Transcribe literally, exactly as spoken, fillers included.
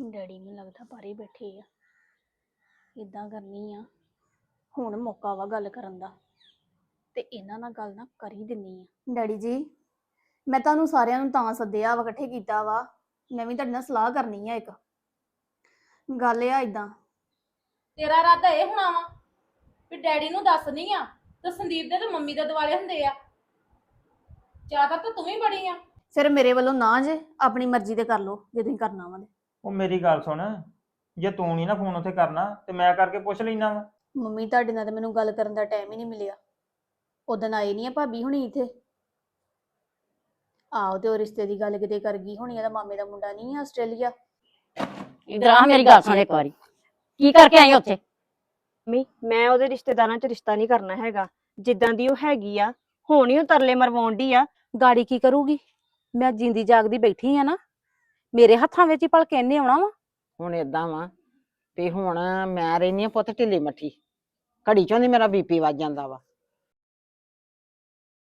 Daddy ਨੂੰ ਲੱਗਦਾ ਬਾਹਰ ਬੈਠੇ ਆ। ਇਦਾਂ ਕਰਨੀ ਆ, ਹੁਣ ਮੌਕਾ ਵਾ ਗੱਲ ਕਰਨ ਦਾ, ਤੇ ਇਹਨਾਂ ਨਾਲ ਗੱਲ ਨਾ ਕਰ ਹੀ ਦਿੰਨੀ ਆ। ਡੈਡੀ ਜੀ, ਮੈਂ ਤੁਹਾਨੂੰ ਸਾਰਿਆਂ ਨੂੰ ਤਾਂ ਸੱਦਿਆ ਵਾ, ਇਕੱਠੇ ਕੀਤਾ ਵਾ। ਮੈਂ ਵੀ ਤੁਹਾਡੇ ਨਾਲ ਸਲਾਹ ਕਰਨੀ ਆ। ਇੱਕ ਗੱਲ ਆ ਇਦਾਂ, ਤੇਰਾ ਇਰਾਦਾ ਇਹ ਹੋਣਾ ਵਾ ਵੀ ਡੈਡੀ ਨੂੰ ਦੱਸਣੀ ਆ ਤੇ ਸੰਦੀਪ ਦੇ ਤੇ ਮੰਮੀ ਦੇ ਦੁਆਲੇ ਹੁੰਦੇ ਆ। ਜ਼ਿਆਦਾ ਤਾਂ ਤੂੰ ਹੀ ਬੜੀ ਆ। ਫਿਰ ਮੇਰੇ ਵੱਲੋਂ ਨਾ ਜੇ, ਆਪਣੀ ਮਰਜ਼ੀ ਤੇ ਕਰ ਲਓ ਜੇ ਤੁਸੀਂ ਕਰਨਾ ਵਾ। ਉਹ ਮੇਰੀ ਗੱਲ ਸੁਣ, ਜੇ ਤੂੰ ਨਹੀਂ ਨਾ ਫੋਨ ਉੱਥੇ ਕਰਨਾ ਤੇ ਮੈਂ ਕਰਕੇ ਪੁੱਛ ਲੈਣਾ ਵਾ। ਮੰਮੀ ਤੁਹਾਡੇ ਨਾਲ ਤੇ ਮੈਨੂੰ ਗੱਲ ਕਰਨ ਦਾ ਟਾਈਮ ਹੀ ਨਹੀਂ ਮਿਲਿਆ। ਉਦਣ ਆਏ ਨਹੀਂ ਆ ਭਾਬੀ ਹੁਣੀ ਇੱਥੇ। ਆਹੋ, ਤੇ ਉਹ ਰਿਸ਼ਤੇ ਦੀ ਗੱਲ ਕਿਤੇ ਕਰ ਗਈ ਹੋਣੀ। ਇਹਦਾ ਮਾਮੇ ਦਾ ਮੁੰਡਾ ਨਹੀਂ ਆ ਆਸਟ੍ਰੇਲੀਆ। ਇਧਰ ਆ, ਮੇਰੀ ਗੱਲ ਸੁਣ ਇੱਕ ਵਾਰੀ। ਕੀ ਕਰਕੇ ਆਈ ਉੱਥੇ? ਮੰਮੀ ਮੈਂ ਉਹਦੇ ਰਿਸ਼ਤੇਦਾਰਾਂ 'ਚ ਰਿਸ਼ਤਾ ਨਹੀਂ ਕਰਨਾ ਹੈਗਾ। ਜਿੱਦਾਂ ਦੀ ਉਹ ਹੈਗੀ ਆ, ਹੁਣ ਹੀ ਉਹ ਤਰਲੇ ਮਰਵਾਉਣ ਡਈ ਆ। ਗਾੜੀ ਕੀ ਕਰੂਗੀ? ਮੈਂ ਜਿੰਦੀ ਜਾਗਦੀ ਬੈਠੀ ਆ ਨਾ, ਮੇਰੇ ਹੱਥਾਂ ਵਿੱਚ ਹੀ ਭਲਕੇ ਇਹਨੇ ਆਉਣਾ ਵਾ। ਹੁਣ ਏਦਾਂ ਵਾ ਵੀ ਹੁਣ ਮੈਂ ਰਹਿਨੀ ਆ ਪੁੱਤ ਢਿੱਲੀ ਮੱਠੀ, ਘੜੀ ਚੋਂ ਦੀ ਮੇਰਾ ਬੀਪੀ ਵੱਜ ਜਾਂਦਾ ਵਾ।